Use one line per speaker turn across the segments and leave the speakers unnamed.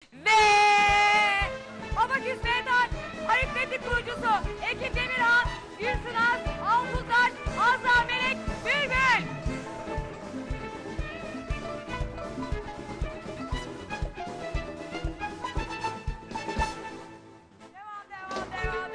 Ve Abaküs Meydan aritmetik kurucusu Ekin Demirhan, Gülsünaz, Altuzaş, Azra Melek, Bülbül. Devam.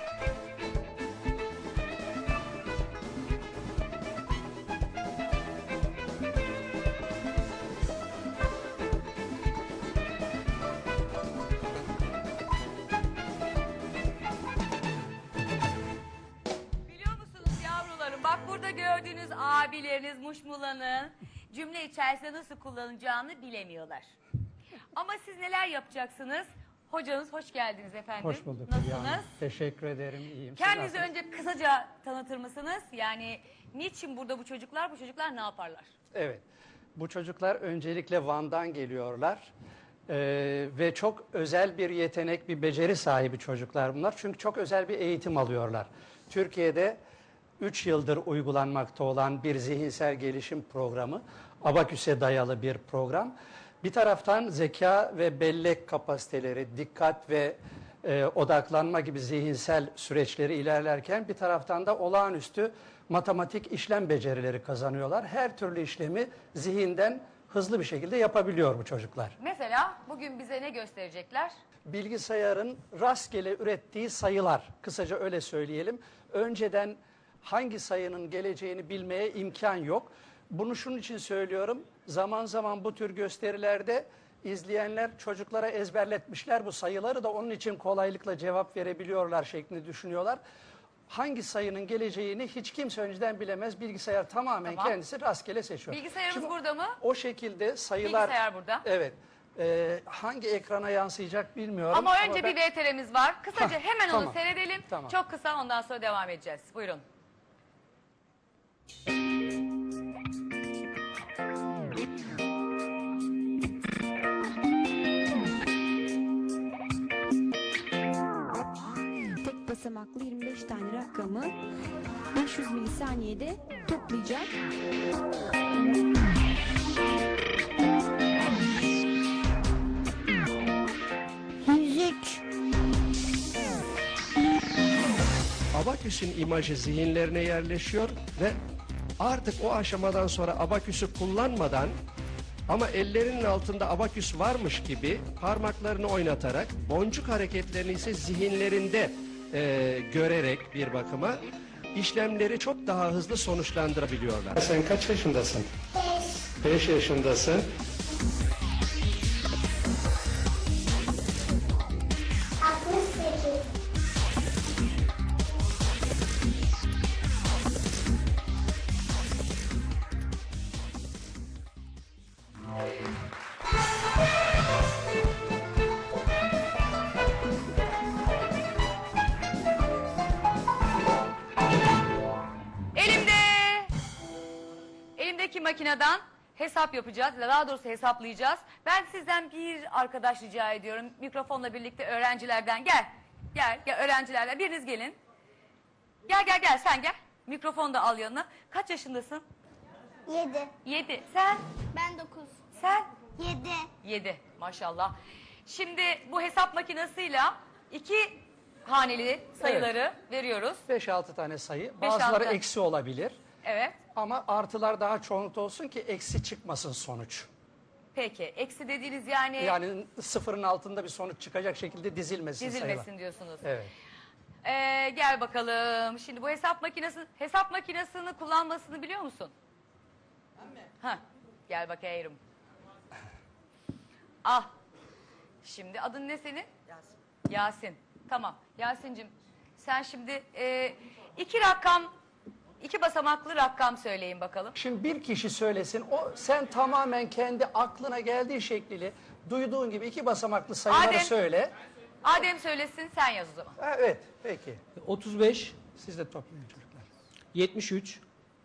Biliyor musunuz yavrularım, bak burada gördüğünüz abileriniz Muşmula'nın cümle içerisinde nasıl kullanacağını bilemiyorlar. Ama siz neler yapacaksınız? Hocanız hoş geldiniz efendim.
Hoş bulduk.
Nasılsınız?
Teşekkür ederim. İyiyim.
Kendinizi önce kısaca tanıtır mısınız? Yani niçin burada bu çocuklar ne yaparlar?
Evet. Bu çocuklar öncelikle Van'dan geliyorlar. Ve çok özel bir yetenek, bir beceri sahibi çocuklar bunlar. Çünkü çok özel bir eğitim alıyorlar. Türkiye'de 3 yıldır uygulanmakta olan bir zihinsel gelişim programı, Abaküs'e dayalı bir program. Bir taraftan zeka ve bellek kapasiteleri, dikkat ve odaklanma gibi zihinsel süreçleri ilerlerken bir taraftan da olağanüstü matematik işlem becerileri kazanıyorlar. Her türlü işlemi zihinden hızlı bir şekilde yapabiliyor bu çocuklar.
Mesela bugün bize ne gösterecekler?
Bilgisayarın rastgele ürettiği sayılar, kısaca öyle söyleyelim. Önceden hangi sayının geleceğini bilmeye imkan yok. Bunu şunun için söylüyorum. Zaman zaman bu tür gösterilerde izleyenler çocuklara ezberletmişler bu sayıları da onun için kolaylıkla cevap verebiliyorlar şeklinde düşünüyorlar. Hangi sayının geleceğini hiç kimse önceden bilemez. Bilgisayar tamamen kendisi rastgele seçiyor.
Bilgisayarımız
Şimdi
burada mı?
O şekilde sayılar...
Bilgisayar burada.
Evet. Hangi ekrana yansıyacak bilmiyorum.
Ama önce bir VTR'miz var. Kısaca hemen onu
tamam.
seyredelim.
Tamam.
Çok kısa, ondan sonra devam edeceğiz. Buyurun.
Tek basamaklı 25 tane rakamı 500 milisaniyede toplayacak.
Abaküs'ün imajı zihinlerine yerleşiyor ve artık o aşamadan sonra abaküsü kullanmadan ama ellerinin altında abaküs varmış gibi parmaklarını oynatarak boncuk hareketlerini ise zihinlerinde görerek bir bakıma işlemleri çok daha hızlı sonuçlandırabiliyorlar. Sen kaç yaşındasın? 5. 5 yaşındasın.
Elimdeki makineden hesap yapacağız. Daha doğrusu hesaplayacağız. Ben sizden bir arkadaş rica ediyorum. Mikrofonla birlikte öğrencilerden gel. Gel öğrencilerden biriniz gelin. Gel sen gel. Mikrofonu da al yanına. Kaç yaşındasın?
7.
7. Sen?
Ben 9.
Sen?
7.
7. Maşallah. Şimdi bu hesap makinesiyle 2 haneli sayıları veriyoruz.
5-6 tane sayı.
5-6
Bazıları
tane.
eksi olabilir.
Evet.
Ama artılar daha çoğunlukta olsun ki eksi çıkmasın sonuç.
Peki. Eksi dediğiniz yani
Yani sıfırın altında bir sonuç çıkacak şekilde dizilmesin
dizilmesin diyorsunuz.
Evet.
Gel bakalım. Şimdi bu hesap makinesini kullanmasını biliyor musun? Ben mi? Ha. Gel bakayım. Al. Şimdi adın ne senin? Yasin. Yasin. Tamam. Yasin'cim sen şimdi 2 basamaklı rakam söyleyin bakalım.
Şimdi bir kişi söylesin, sen tamamen kendi aklına geldiği şekliyle duyduğun gibi 2 basamaklı sayıları söyle.
Adem söylesin, sen yaz o zaman.
Evet, peki.
35,
Siz de toplayın çocuklar.
73,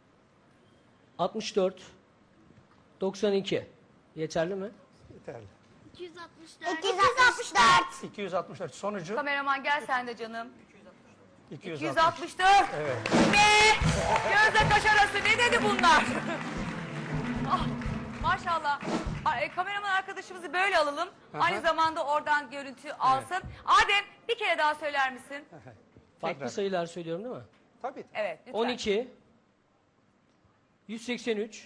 64, 92. Yeterli mi?
Yeterli.
264. 264.
264 sonucu
Kameraman gel sen de canım.
264.
264.
Evet.
Ne? Gözle kaş arası ne dedi bunlar? Ah, maşallah. Kameraman arkadaşımızı böyle alalım.
Aha.
Aynı zamanda oradan görüntü alsın. Adem bir kere daha söyler misin?
Farklı
Tekrar.
sayılar söylüyorum değil mi?
Tabii.
Evet lütfen.
12 183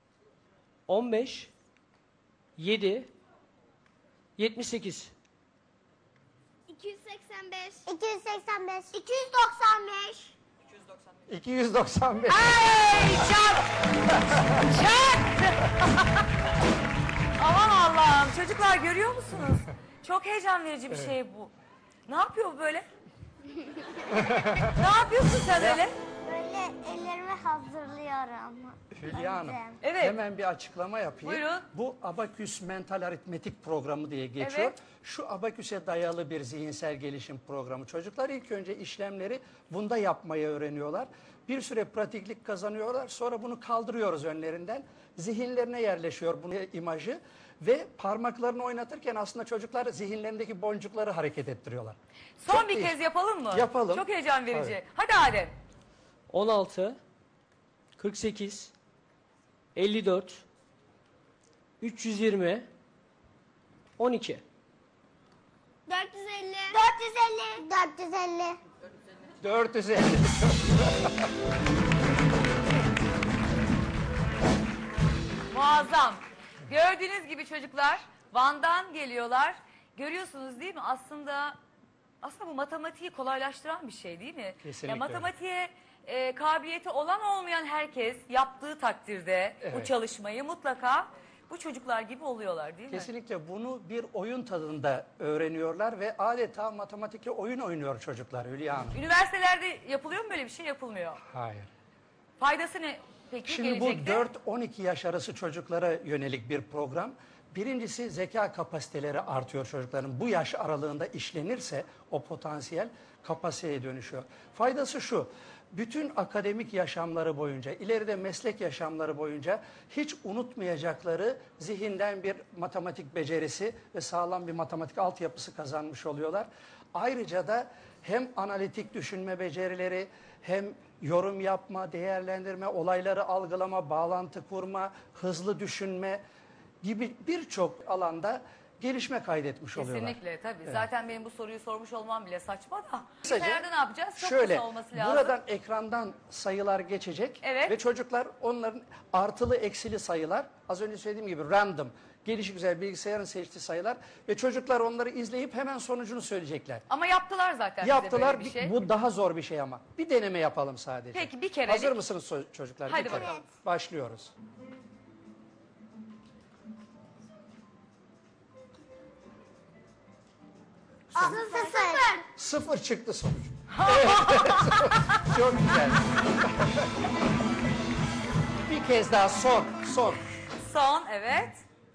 15 7 78
285. 285. 295.
295.
Ay çak! Çak! Aman Allah'ım çocuklar görüyor musunuz? Çok heyecan verici bir şey bu. Ne yapıyor bu böyle? Ne yapıyorsun sen öyle?
Böyle ellerimi hazırlıyorum.
Hülya Hanım,
Evet.
hemen bir açıklama yapayım.
Buyurun.
Bu Abaküs Mental Aritmetik Programı diye geçiyor.
Evet.
Şu Abaküs'e dayalı bir zihinsel gelişim programı. Çocuklar ilk önce işlemleri bunda yapmayı öğreniyorlar. Bir süre pratiklik kazanıyorlar. Sonra bunu kaldırıyoruz önlerinden. Zihinlerine yerleşiyor bu imajı. Ve parmaklarını oynatırken aslında çocuklar zihinlerindeki boncukları hareket ettiriyorlar.
Son
Çok
bir
iyi.
kez yapalım mı?
Yapalım.
Çok heyecan verici.
Evet.
Hadi Adem.
16 48 54 320 12
450. 450. 450.
450.
Muazzam. Gördüğünüz gibi çocuklar Van'dan geliyorlar. Görüyorsunuz değil mi? Aslında bu matematiği kolaylaştıran bir şey değil mi?
Kesinlikle
Ya matematiğe kabiliyeti olan olmayan herkes yaptığı takdirde bu
Evet.
çalışmayı mutlaka bu çocuklar gibi oluyorlar değil mi?
Kesinlikle bunu bir oyun tadında öğreniyorlar ve adeta matematikle oyun oynuyor çocuklar Hülya Hanım.
Üniversitelerde yapılıyor mu böyle bir şey? Yapılmıyor.
Hayır.
Faydası ne peki
Şimdi bu
gelecekte?
4-12 yaş arası çocuklara yönelik bir program. Birincisi zeka kapasiteleri artıyor çocukların. Bu yaş aralığında işlenirse o potansiyel kapasiteye dönüşüyor. Faydası şu. Bütün akademik yaşamları boyunca, ileride meslek yaşamları boyunca hiç unutmayacakları zihinden bir matematik becerisi ve sağlam bir matematik altyapısı kazanmış oluyorlar. Ayrıca da hem analitik düşünme becerileri, hem yorum yapma, değerlendirme, olayları algılama, bağlantı kurma, hızlı düşünme gibi birçok alanda gelişme kaydetmiş oluyorlar.
Kesinlikle tabii. Zaten benim bu soruyu sormuş olmam bile saçma da.
Kısaca,
Nerede ne yapacağız? Çok
şöyle,
kısa olması lazım.
buradan ekrandan sayılar geçecek
Evet.
ve çocuklar onların artılı eksili sayılar, az önce söylediğim gibi random, gelişigüzel bilgisayarın seçtiği sayılar ve çocuklar onları izleyip hemen sonucunu söyleyecekler.
Ama yaptılar zaten bize
Yaptılar,
böyle bir şey.
bu daha zor bir şey ama. Bir deneme yapalım sadece.
Peki, bir kerelik.
Hazır mısınız çocuklar?
Hadi
Bir kere.
bakalım.
Başlıyoruz.
Sıfır.
0 çıktı sonuç. Evet. Çok güzel. Bir kez daha son.
Son evet.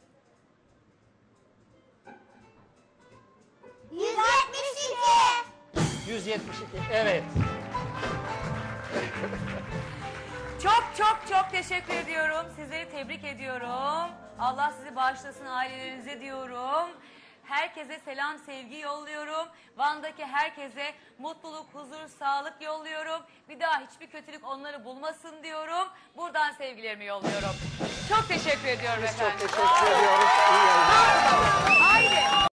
172.
172. Evet.
Çok teşekkür ediyorum. Sizleri tebrik ediyorum. Allah sizi bağışlasın ailelerinize diyorum. Herkese selam, sevgi yolluyorum. Van'daki herkese mutluluk, huzur, sağlık yolluyorum. Bir daha hiçbir kötülük onları bulmasın diyorum. Buradan sevgilerimi yolluyorum. Çok teşekkür ediyorum
Biz
efendim.
çok teşekkür ediyoruz. İyi yayınlar.
Haydi.